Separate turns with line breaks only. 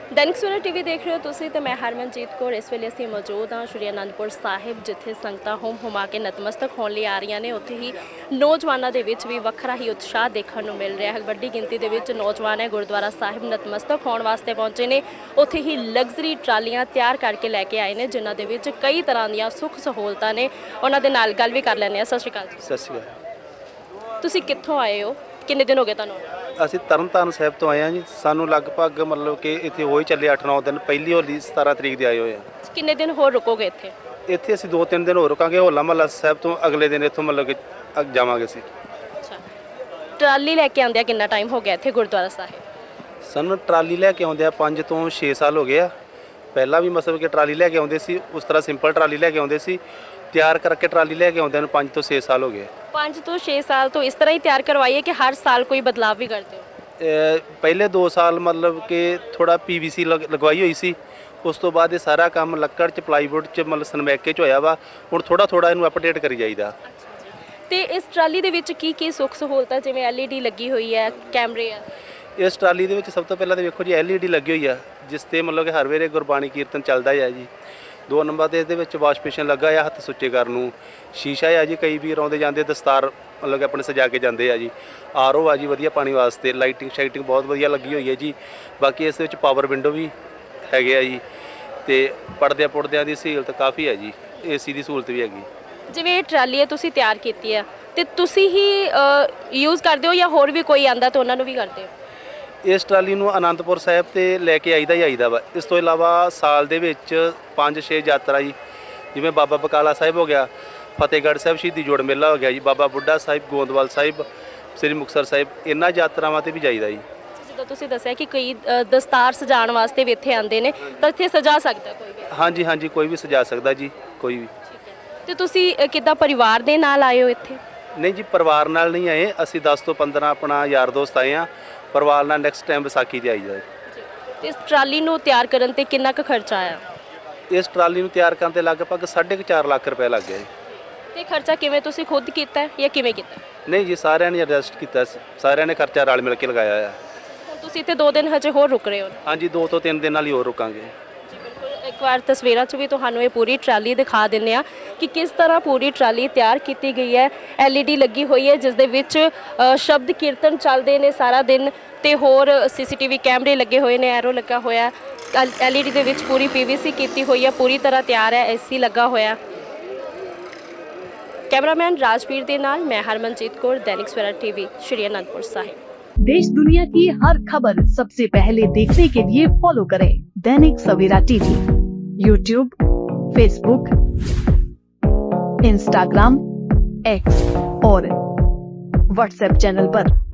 दैनिक सवेरा टीवी देख रहे हो तुसी ते मैं हरमनजीत कौर। इस वेले ਅਸੀਂ ਮੌਜੂਦ ਹਾਂ ਸ਼੍ਰੀ ਅਨੰਦਪੁਰ ਸਾਹਿਬ, ਜਿੱਥੇ ਸੰਗਤਾਂ ਹੁਮ-ਹੁਮਾ ਕੇ ਨਤਮਸਤਕ ਹੋਣ ਲਈ ਆ ਰਹੀਆਂ ਨੇ। ਉੱਥੇ ਹੀ ਨੌਜਵਾਨਾਂ ਦੇ ਵਿੱਚ ਵੀ ਵੱਖਰਾ ਹੀ ਉਤਸ਼ਾਹ ਦੇਖਣ ਨੂੰ ਮਿਲ ਰਿਹਾ ਹੈ। ਵੱਡੀ ਗਿਣਤੀ ਦੇ ਵਿੱਚ ਨੌਜਵਾਨ ਹੈ ਗੁਰਦੁਆਰਾ ਸਾਹਿਬ ਨਤਮਸਤਕ ਹੋਣ ਵਾਸਤੇ ਪਹੁੰਚੇ ਨੇ। ਉੱਥੇ ਹੀ ਲਗਜ਼ਰੀ ਟਰਾਲੀਆਂ ਤਿਆਰ ਕਰਕੇ ਲੈ ਕੇ ਆਏ ਨੇ, ਜਿਨ੍ਹਾਂ ਦੇ ਵਿੱਚ ਕਈ ਤਰ੍ਹਾਂ ਦੀਆਂ ਸੁੱਖ ਸਹੂਲਤਾਂ ਨੇ। ਉਹਨਾਂ ਦੇ ਨਾਲ ਗੱਲ ਵੀ ਕਰ ਲੈਂਦੇ ਹਾਂ। ਸਤਿ ਸ਼੍ਰੀ ਅਕਾਲ ਜੀ।
ਸਤਿ ਸ਼੍ਰੀ ਅਕਾਲ।
ਤੁਸੀਂ ਕਿੱਥੋਂ ਆਏ ਹੋ? ਕਿੰਨੇ ਦਿਨ ਹੋ ਗਏ ਤੁਹਾਨੂੰ?
ਅਸੀਂ ਤਰਨਤਾਰਨ ਸਾਹਿਬ ਤੋਂ ਆਏ ਹਾਂ ਜੀ। ਸਾਨੂੰ ਲਗਭਗ ਮਤਲਬ ਕਿ ਇੱਥੇ ਹੋ ਹੀ ਚੱਲੇ 8-9 ਦਿਨ। ਪਹਿਲੀ ਹੋਲੀ 17 ਤਰੀਕ ਦੇ ਆਏ ਹੋਏ ਆ।
ਕਿੰਨੇ ਦਿਨ ਹੋਰ ਰੁਕੋਗੇ ਇੱਥੇ?
ਇੱਥੇ ਅਸੀਂ 2-3 ਦਿਨ ਹੋਰ ਰੁਕਾਂਗੇ। ਹੋਲਾ ਮਹੱਲਾ ਸਾਹਿਬ ਤੋਂ ਅਗਲੇ ਦਿਨ ਇੱਥੋਂ ਮਤਲਬ ਕਿ ਜਾਵਾਂਗੇ ਅਸੀਂ।
ਅੱਛਾ, ਟਰਾਲੀ ਲੈ ਕੇ ਆਉਂਦਿਆਂ ਕਿੰਨਾ ਟਾਈਮ ਹੋ ਗਿਆ ਇੱਥੇ ਗੁਰਦੁਆਰਾ ਸਾਹਿਬ?
ਸਾਨੂੰ ਟਰਾਲੀ ਲੈ ਕੇ ਆਉਂਦੇ ਆ 5 ਤੋਂ 6 ਸਾਲ ਹੋ ਗਏ ਆ। ਪਹਿਲਾਂ ਵੀ ਮਤਲਬ ਕਿ ਟਰਾਲੀ ਲੈ ਕੇ ਆਉਂਦੇ ਸੀ, ਉਸ ਤਰ੍ਹਾਂ ਸਿੰਪਲ ਟਰਾਲੀ ਲੈ ਕੇ ਆਉਂਦੇ ਸੀ। ਤਿਆਰ ਕਰਕੇ ਟਰਾਲੀ ਲੈ ਕੇ ਆਉਂਦਿਆਂ ਨੂੰ 5 ਤੋਂ 6 ਸਾਲ ਹੋ ਗਏ।
5 ਤੋਂ 6 ਸਾਲ ਤੋਂ ਇਸ ਤਰ੍ਹਾਂ ਹੀ ਤਿਆਰ ਕਰਵਾਈਏ ਕਿ ਹਰ ਸਾਲ ਕੋਈ ਬਦਲਾਅ ਵੀ ਕਰਦੇ ਹੋ?
ਪਹਿਲੇ 2 ਸਾਲ ਮਤਲਬ ਕਿ ਥੋੜਾ PVC ਲਗਵਾਈ ਹੋਈ ਸੀ। ਉਸ ਤੋਂ ਬਾਅਦ ਇਹ ਸਾਰਾ ਕੰਮ ਲੱਕੜ 'ਚ ਪਲਾਈਵੁੱਡ 'ਚ ਮਤਲਬ ਸਨਮੈਕੇ 'ਚ ਹੋਇਆ ਵਾ। ਹੁਣ ਥੋੜਾ ਇਹਨੂੰ ਅਪਡੇਟ ਕਰੀ ਜਾਈਦਾ।
ਤੇ ਇਸ ਟਰਾਲੀ ਦੇ ਵਿੱਚ ਕੀ ਕੀ ਸੁੱਖ ਸਹੂਲਤਾਂ, ਜਿਵੇਂ LED ਲੱਗੀ ਹੋਈ ਹੈ, ਕੈਮਰੇ ਆ?
ਇਸ ਟਰਾਲੀ ਦੇ ਵਿੱਚ ਸਭ ਤੋਂ ਪਹਿਲਾਂ ਤਾਂ ਵੇਖੋ ਜੀ LED ਲੱਗੀ ਹੋਈ ਆ, ਜਿਸ ਤੇ ਮਤਲਬ ਕਿ ਹਰ ਵੇਲੇ ਗੁਰਬਾਣੀ ਕੀਰਤਨ ਚੱਲਦਾ ਹੈ ਜੀ। 2 ਨੰਬਰ ਤੇ ਇਹਦੇ ਵਿੱਚ ਵਾਸ਼ ਬੇਸਿਨ ਲੱਗਾ ਆ ਹੱਥ ਸੁੱਚੇ ਕਰਨ ਨੂੰ। ਸ਼ੀਸ਼ਾ ਆ ਜੀ, ਕਈ ਵੀਰ ਆਉਂਦੇ ਜਾਂਦੇ ਦਸਤਾਰ ਮਤਲਬ ਕਿ ਆਪਣੇ ਸਜਾ ਕੇ ਜਾਂਦੇ ਆ ਜੀ। RO ਆ ਜੀ ਵਧੀਆ ਪਾਣੀ ਵਾਸਤੇ। ਲਾਈਟਿੰਗ ਸ਼ਾਈਟਿੰਗ ਬਹੁਤ ਵਧੀਆ ਲੱਗੀ ਹੋਈ ਹੈ ਜੀ। ਬਾਕੀ ਇਸ ਦੇ ਵਿੱਚ ਪਾਵਰ ਵਿੰਡੋ ਵੀ ਹੈਗੇ ਆ ਜੀ, ਤੇ ਪਰਦਿਆਂ ਦੀ ਸਹੂਲਤ ਕਾਫੀ ਹੈ ਜੀ। AC ਦੀ ਸਹੂਲਤ ਵੀ ਹੈਗੀ।
ਜਿਵੇਂ ਇਹ ਟਰਾਲੀ ਹੈ ਤੁਸੀਂ ਤਿਆਰ ਕੀਤੀ ਹੈ, ਤੇ ਤੁਸੀਂ ਹੀ ਯੂਜ਼ ਕਰਦੇ ਹੋ ਜਾਂ ਹੋਰ ਵੀ ਕੋਈ ਆਂਦਾ ਤਾਂ ਉਹਨਾਂ ਨੂੰ ਵੀ ਕਰਦੇ ਹੋ?
ਇਸ ਟਰਾਲੀ ਨੂੰ ਅਨੰਦਪੁਰ ਸਾਹਿਬ ਤੇ ਲੈ ਕੇ ਆਈਦਾ ਵਾ। ਇਸ ਤੋਂ ਇਲਾਵਾ ਸਾਲ ਦੇ ਵਿੱਚ 5-6 ਯਾਤਰਾ ਜੀ, ਜਿਵੇਂ ਬਾਬਾ ਬਕਾਲਾ ਸਾਹਿਬ ਹੋ ਗਿਆ, ਫਤਿਹਗੜ੍ਹ ਸਾਹਿਬ ਸ਼ਹੀਦੀ ਜੋੜ ਮੇਲਾ ਹੋ ਗਿਆ ਜੀ, ਬਾਬਾ ਬੁੱਢਾ ਸਾਹਿਬ, ਗੋਂਦਵਾਲ ਸਾਹਿਬ, ਸ੍ਰੀ ਮੁਕਤਸਰ ਸਾਹਿਬ, ਇਹਨਾਂ ਯਾਤਰਾਵਾਂ ਤੇ ਵੀ ਜਾਈਦਾ ਜੀ।
ਜਦੋਂ ਤੁਸੀਂ ਦੱਸਿਆ ਕਿ ਕਈ ਦਸਤਾਰ ਸਜਾਉਣ ਵਾਸਤੇ ਵੀ ਇੱਥੇ ਆਉਂਦੇ ਨੇ, ਤਾਂ ਇੱਥੇ ਸਜਾ ਸਕਦਾ ਕੋਈ ਵੀ?
ਹਾਂਜੀ ਕੋਈ ਵੀ ਸਜਾ ਸਕਦਾ ਜੀ, ਕੋਈ ਵੀ।
ਤੇ ਤੁਸੀਂ ਕਿੱਦਾਂ ਪਰਿਵਾਰ ਦੇ ਨਾਲ ਆਏ ਹੋ ਇੱਥੇ?
ਨਹੀਂ ਜੀ, ਪਰਿਵਾਰ ਨਾਲ ਨਹੀਂ ਆਏ ਅਸੀਂ। 10 ਤੋਂ 15 ਆਪਣਾ ਯਾਰ ਦੋਸਤ ਆਏ ਆ। ਪਰਿਵਾਰ ਨਾਲ ਨੈਕਸਟ ਟਾਈਮ ਵਿਸਾਖੀ ਤੇ ਆਈ ਜਾਏ।
ਤੇ ਇਸ ਟਰਾਲੀ ਨੂੰ ਤਿਆਰ ਕਰਨ ਤੇ ਕਿੰਨਾ ਕੁ ਖਰਚਾ ਆਇਆ?
ਇਸ ਟਰਾਲੀ ਨੂੰ ਤਿਆਰ ਕਰਨ ਤੇ ਲਗਭਗ 4.5 ਲੱਖ ਰੁਪਏ ਲੱਗ ਗਿਆ ਜੀ।
ਤੇ ਖਰਚਾ ਕਿਵੇਂ ਤੁਸੀਂ ਖੁਦ ਕੀਤਾ ਹੈ ਜਾਂ ਕਿਵੇਂ ਕੀਤਾ?
ਨਹੀਂ ਜੀ, ਸਾਰਿਆਂ ਨੇ ਐਡਜਸਟ ਕੀਤਾ, ਸਾਰਿਆਂ ਨੇ ਖਰਚਾ ਰਲ ਮਿਲ ਕੇ ਲਗਾਇਆ ਆ।
ਹੁਣ ਤੁਸੀਂ ਇੱਥੇ 2 ਦਿਨ ਹਜੇ ਹੋਰ ਰੁਕ ਰਹੇ ਹੋ?
ਹਾਂਜੀ, 2 ਤੋਂ 3 ਦਿਨ ਨਾਲ ਹੀ ਹੋਰ ਰੁਕਾਂਗੇ।
ਇੱਕ ਵਾਰ ਤਸਵੀਰਾਂ 'ਚ ਵੀ ਤੁਹਾਨੂੰ ਇਹ ਪੂਰੀ ਟਰਾਲੀ ਦਿਖਾ ਦਿੰਦੇ ਆ ਕਿ ਕਿਸ ਤਰ੍ਹਾਂ ਪੂਰੀ ਟਰਾਲੀ ਤਿਆਰ ਕੀਤੀ ਗਈ ਹੈ। LED ਲੱਗੀ ਹੋਈ ਹੈ, ਜਿਸ ਦੇ ਵਿੱਚ ਸ਼ਬਦ ਕੀਰਤਨ ਚੱਲਦੇ ਨੇ ਸਾਰਾ ਦਿਨ, ਤੇ ਹੋਰ CCTV ਕੈਮਰੇ ਲੱਗੇ ਹੋਏ ਨੇ, ਐਰੋ ਲੱਗਾ ਹੋਇਆ। LED ਦੇ ਵਿੱਚ ਪੂਰੀ PVC ਕੀਤੀ ਹੋਈ ਹੈ, ਪੂਰੀ ਤਰ੍ਹਾਂ ਤਿਆਰ ਹੈ। AC ਲੱਗਾ ਹੋਇਆ। कैमरामैन राजवीर के नाल मैं हरमनजीत कौर, दैनिक सवेरा टीवी, श्री अनंदपुर साहिब।
देश दुनिया की हर खबर सबसे पहले देखने के लिए फॉलो करें Dainik Savera TV, YouTube, Facebook, Instagram, X और WhatsApp चैनल पर।